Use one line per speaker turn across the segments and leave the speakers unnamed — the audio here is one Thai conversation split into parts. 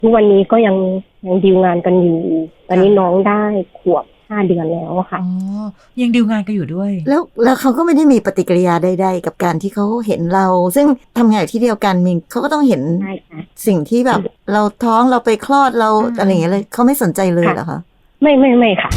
ทุกวันนี้ก็ยังดีลงานกันอยู่ตอนนี้น้องได้ขวบ5 เดือนแล้วค่ะ
อ๋อยังดีลงานกันอยู่ด้วย
แล้วเขาก็ไม่ได้มีปฏิกิริยาใดๆกับการที่เขาเห็นเราซึ่งทำงานอยู่ที่เดียวกันมิงเขาก็ต้องเห็นสิ่งที่แบบเราท้องเราไปคลอดเราอะไรอย่างเงี้ยเลยเขาไม่สนใจเลยเหรอคะ
ไม่ค่ะ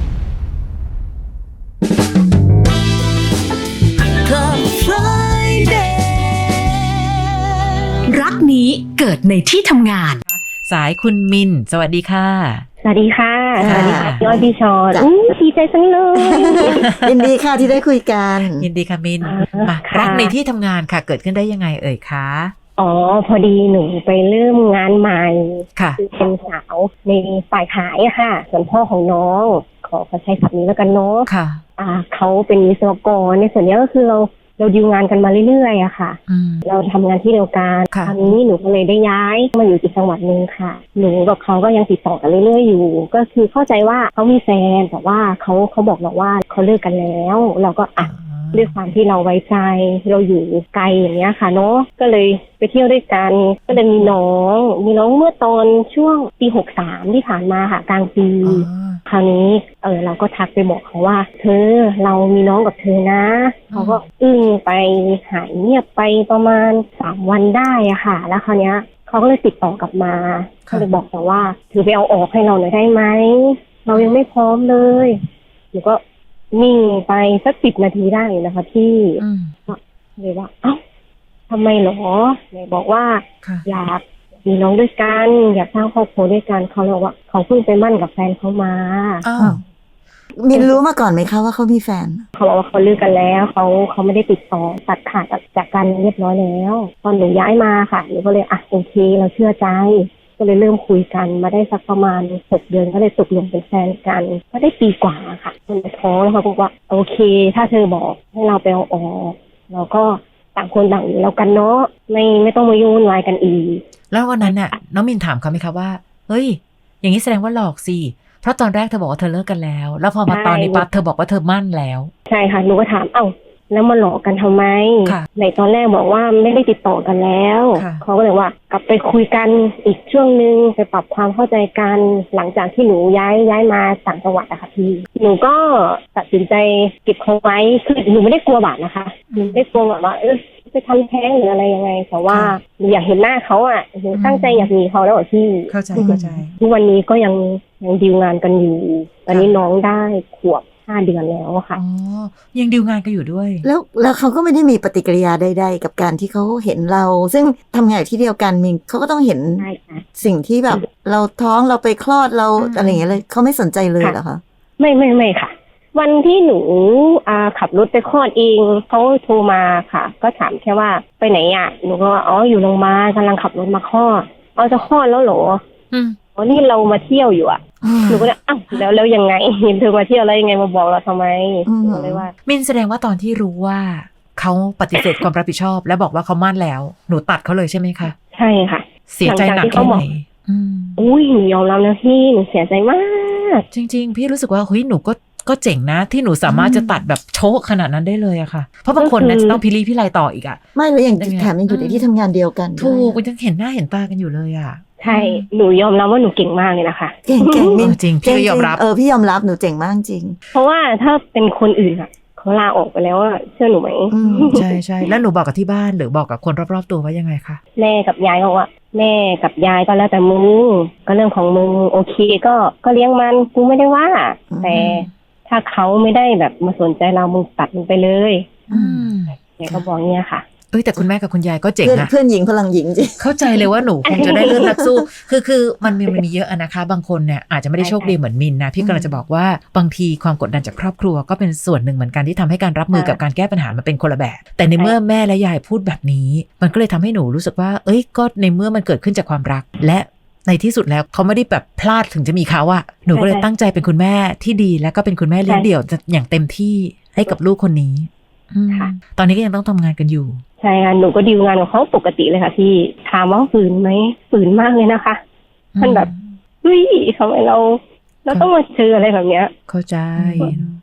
รักนี้เกิดในที่ทำงาน
สายคุณมินสวัสดีค่ะ
สวัสดีค่ะสวัสดีค่ะพี่อ้อยพี่ชอนดีใจจังเลย
ยินดีค่ะที่ได้คุยกัน
ยินดีค่ะมินมารักในที่ทำงานค่ะเกิดขึ้นได้ยังไงเอ่ยคะ
อ๋อพอดีหนูไปเริ่มงานใหม่
ค่ะ
คือเป็นสาวในฝ่ายขายอะค่ะส่วนพ่อของน้องขอใช้ศัพท์นี้แล้วกันเนาะ
ค่ะ
เขาเป็นวิศวกรในส่วนนี้ก็คือเราดีลงานกันมาเรื่อยๆอะค่ะเราทำงานที่เดียวกันคราวนี้หนูก็เลยได้ย้ายมาอยู่อีกจังหวัดนึงค่ะหนูกับเขาก็ยังติดต่อกันเรื่อยๆอยู่ก็คือเข้าใจว่าเขามีแฟนแต่ว่าเขาบอกเราว่าเขาเลิกกันแล้วเราก็ด้วยความที่เราไว้ใจเราอยู่ไกลอย่างเงี้ยค่ะเนาะก็เลยไปเที่ยวด้วยกันก็เลยมีน้องเมื่อตอนช่วงปี63ที่ผ่านมาค่ะกลางปีคราวนี้เราก็ทักไปบอกเขาว่าเธอเรามีน้องกับเธอนะเขาก็อึ้งไปหายเงียบไปประมาณ3 วันได้อะค่ะแล้วคราวเนี้ยเขาก็เลยติดต่อกลับมาเขาเลยบอกแต่ว่าเธอไปเอาออกให้เราหน่อยได้ไหมเรายังไม่พร้อมเลยหนูก็นิ่งไปสัก10 นาทีได้นะคะพี่เลยว่าเอ้าทำไมหรอเลยบอกว่าอยากมีน้องด้วยกันอยากสร้างครอบครัวด้วยกันเขาบอกว่าเขาเพิ่งไปมั่นกับแฟนเขามา
มินรู้มาก่อนไหมคะว่าเขามีแฟน
เขาบอกว่าเขาเลิกกันแล้วเขาไม่ได้ติดต่อตัดขาดจากกันเรียบร้อยแล้วตอนหนูย้ายมาค่ะหนูก็เลยโอเคเราเชื่อใจก็เลยเริ่มคุยกันมาได้สักประมาณ6 เดือนก็เลยตกลงเป็นแฟนกันก็ได้ปีกว่าค่ะจนท้องแล้วเขาบอกว่าโอเคถ้าเธอบอกให้เราไปเอาออกเราก็ต่างคนต่างอยู่แล้วกันเนาะไม่ต้องมายุ่งวายกันอีก
แล้ววันนั้นน่ะน้องมินถามเขาไหมคะว่าเฮ้ยอย่างนี้แสดงว่าหลอกสิเพราะตอนแรกเธอบอกว่าเธอเลิกกันแล้วแล้วพอมาตอนนี้ปั๊บเธอบอกว่าเธอมั่นแล้ว
ใช่ค่ะหนูก็ถามแล้วมาหลอกกันทำไมในตอนแรกบอกว่าไม่ได้ติดต่อกันแล้วเขาก็เลยว่ากลับไปคุยกันอีกช่วงนึงไปปรับความเข้าใจกันหลังจากที่หนูย้ายมาต่างจังหวัดอะค่ะพี่หนูก็ตัดสินใจเก็บเขาไว้คือหนูไม่ได้กลัวบาปนะคะหนูไม่ได้กลัวแบบว่าไปทำแท้งหรืออะไรยังไงแต่ว่าหนูอยากเห็นหน้าเขาอะหนูตั้งใจอยากมีเขาแล้วพี่
เข้าใจ
ทุกวันนี้ก็ยังดีลงานกันอยู่ตอนนี้น้องได้ขวบ5 เดือนแล้วค่ะ
อ๋อยังดีลงานกันอยู่ด้วย
แล้วเขาก็ไม่ได้มีปฏิกิริยาใดๆกับการที่เขาเห็นเราซึ่งทำงานอยู่ที่เดียวกันมิงเขาก็ต้องเห็นสิ่งที่แบบเราท้องเราไปคลอดเราอะไรอย่างเงี้ยเลยเขาไม่สนใจเลยเหรอคะ
ไม่ค่ะวันที่หนูขับรถไปคลอดเองเขาโทรมาค่ะก็ถามแค่ว่าไปไหนอ่ะหนูก็อยู่โรงพยาบาลกำลังขับรถมาคลอดจะคลอดแล้วเหรอนี่เรามาเที่ยวอยู่อ่ะหนูก็เลยแล้วยังไงเห็นเธอมาเที่ยวแล้วยังไงมาบอกเราทำไมเลยว่า
มินแสดงว่าตอนที่รู้ว่าเขาปฏิเสธความรับผิดชอบและบอกว่าเขามั่นแล้วหนูตัดเขาเลยใช่ไหมคะ
ใช่ค่ะ
เสียใจหนักแค่ไหน
อุ้ยหนูยอมรับนะพี่หนูเสียใจมาก
จริงๆพี่รู้สึกว่าเฮ้ยหนูก็เจ๋งนะที่หนูสามารถจะตัดแบบโชกขนาดนั้นได้เลยอะค่ะเพราะบางคนนะจะต้องพิลีพิไลต่ออีกอะ
ไม่แล้วอย่างแถมยังอยู่ในที่ทำงานเดียวกัน
ถูกยังเห็นหน้าเห็นตากันอยู่เลยอะ
ใช่หนูยอมรับว่าหนูเก่งมากเลยนะคะ
เก่ง
จริงพี่ก็ยอมรับ
พี่ยอมรับหนูเจ๋งมากจริง
เพราะว่าถ้าเป็นคนอื่นอะเขาลาออกไปแล้วอะเชื่อหนูไหม
ใช่แล้วหนูบอกกับที่บ้านหรือบอกกับคนรอบๆตัวว่ายังไงคะ
แม่กับยายบอกว่าแม่กับยายก็แล้วแต่มึงก็เรื่องของมึงโอเคก็เลี้ยงมันกูไม่ได้ว่าแต่ถ้าเขาไม่ได้แบบมาสนใจเรามึงตัดมึงไปเลยแกก็บอกเนี้ยค่ะ
แต่คุณแม่กับคุณยายก็เจ๋งนะ
เพื่อนหญิงพลังหญิงจริง
เข้าใจเลยว่าหนูคงจะได้เลือดนักสู้คือมันมีเยอะนะคะบางคนเนี่ยอาจจะไม่ได้โชคดีเหมือนมินนะพี่กำลังจะบอกว่าบางทีความกดดันจากครอบครัวก็เป็นส่วนหนึ่งเหมือนกันที่ทำให้การรับมือกับการแก้ปัญหามันเป็นคนละแบบแต่ในเมื่อแม่และยายพูดแบบนี้มันก็เลยทำให้หนูรู้สึกว่าก็ในเมื่อมันเกิดขึ้นจากความรักและในที่สุดแล้วเขาไม่ได้แบบพลาดถึงจะมีเขาอะหนูก็เลยตั้งใจเป็นคุณแม่ที่ดีและก็เป็นคุณแม่เลี้ยงเดี่ยวอย่างเต็มที่ให้กับลูกคนนี้ตอนนี้ก็ยังต้องทำงานกันอยู่
ใช่ค่ะหนูก็ดีลงานกับเขาปกติเลยค่ะพี่ถามว่าฝืนไหมฝืนมากเลยนะคะมันแบบเฮ้ยทำไมเราต้องมาเจออะไรแบบเนี้ย
เข้าใจ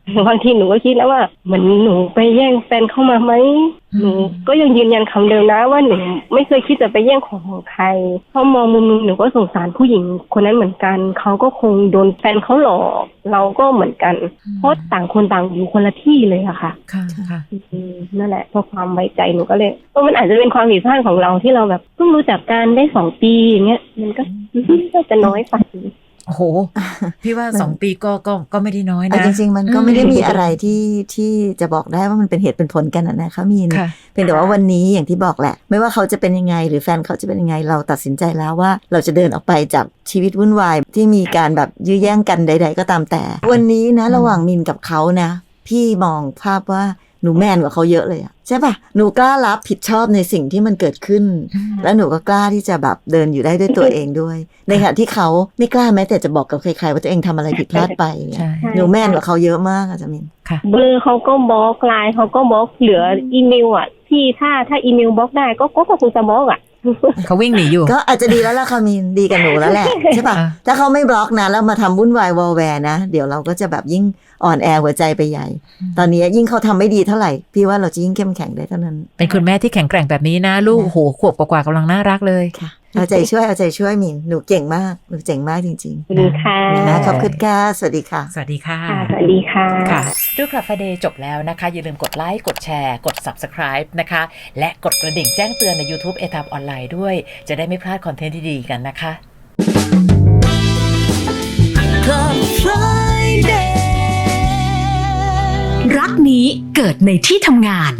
บางทีหนูก็คิดแล้วว่าเหมือนหนูไปแย่งแฟนเข้ามาไหมหนูก็ยังยืนยันคำเดิมนะว่าหนูไม่เคยคิดจะไปแย่งของใครเพราะมองมุมนึงหนูก็สงสารผู้หญิงคนนั้นเหมือนกันเขาก็คงโดนแฟนเขาหลอกเราก็เหมือนกันเพราะต่างคนต่างอยู่คนละที่เลยอะค่ะ
ค่ะ
นั่นแหละเพราะความไว้ใจหนูก็เลยมันอาจจะเป็นความผิดพลาดของเราที่เราแบบเพิ่งรู้จักกันได้2 ปีอย่างเงี้ยมันก็จะน้อยไป
โอ้โหพี่ว่า2 ปีก็ไม่ได้น้อยนะ
จริงๆมันก็ไม่ได้มีอะไรที่จะบอกได้ว่ามันเป็นเหตุเป็นผลกันนะคะมีนเพียงแต่ว่าวันนี้อย่างที่บอกแหละไม่ว่าเขาจะเป็นยังไงหรือแฟนเขาจะเป็นยังไงเราตัดสินใจแล้วว่าเราจะเดินออกไปจากชีวิตวุ่นวายที่มีการแบบยื้อแย่งกันใดๆก็ตามแต่วันนี้นะระหว่างมินกับเขานะพี่มองภาพว่าหนูแมนกว่าเขาเยอะเลยอะใช่ป่ะหนูกล้ารับผิดชอบในสิ่งที่มันเกิดขึ้นแล้วหนูก็กล้าที่จะแบบเดินอยู่ได้ด้วยตัวเองด้วยในขณะที่เขาไม่กล้าแม้แต่จะบอกกับใครๆว่าตัวเองทำอะไรผิดพลาดไปหนูแมนกว่าเขาเยอะมากอะจามิน
เบอร์เขาก็บล็อกไลน์เขาก็บล็อกเหลืออีเมลอ่ะที่ถ้าอีเมลบล็อกได้ก็คงจะบล็อกอ่ะ
เขาวิ่งหนีอยู่
ก็อาจจะดีแล้วล่ะค่ะมินดีกับหนูแล้วแหละใช่ป่ะถ้าเขาไม่บล็อกนะแล้วมาทำวุ่นวายวอลแวร์นะเดี๋ยวเราก็จะแบบยิ่งอ่อนแอหัวใจไปใหญ่ตอนนี้ยิ่งเขาทำไม่ดีเท่าไหร่พี่ว่าเราจะยิ่งเข้มแข็งได้เท่านั้น
เป็นคุณแม่ที่แข็งแกร่งแบบนี้นะลูกโหขวบกว่าๆกำลังน่ารักเลย
ค่ะเอาใจช่วยมินหนูเก่งมากหนูเจ๋งมากจริงๆ
สวัสดีค่ะ
ขอบคุณค่ะสวัสดีค่ะ
สวัสดีค่ะ
สวัสดีค่ะ
ค่ะดูคลับ Friday จบแล้วนะคะอย่าลืมกดไลค์กดแชร์กด Subscribe นะคะและกดกระดิ่งแจ้งเตือนใน YouTube ATAM ออนไลน์ด้วยจะได้ไม่พลาดคอนเทนต์ที่ดีกันนะคะ
Club Friday รักนี้เกิดในที่ทำงาน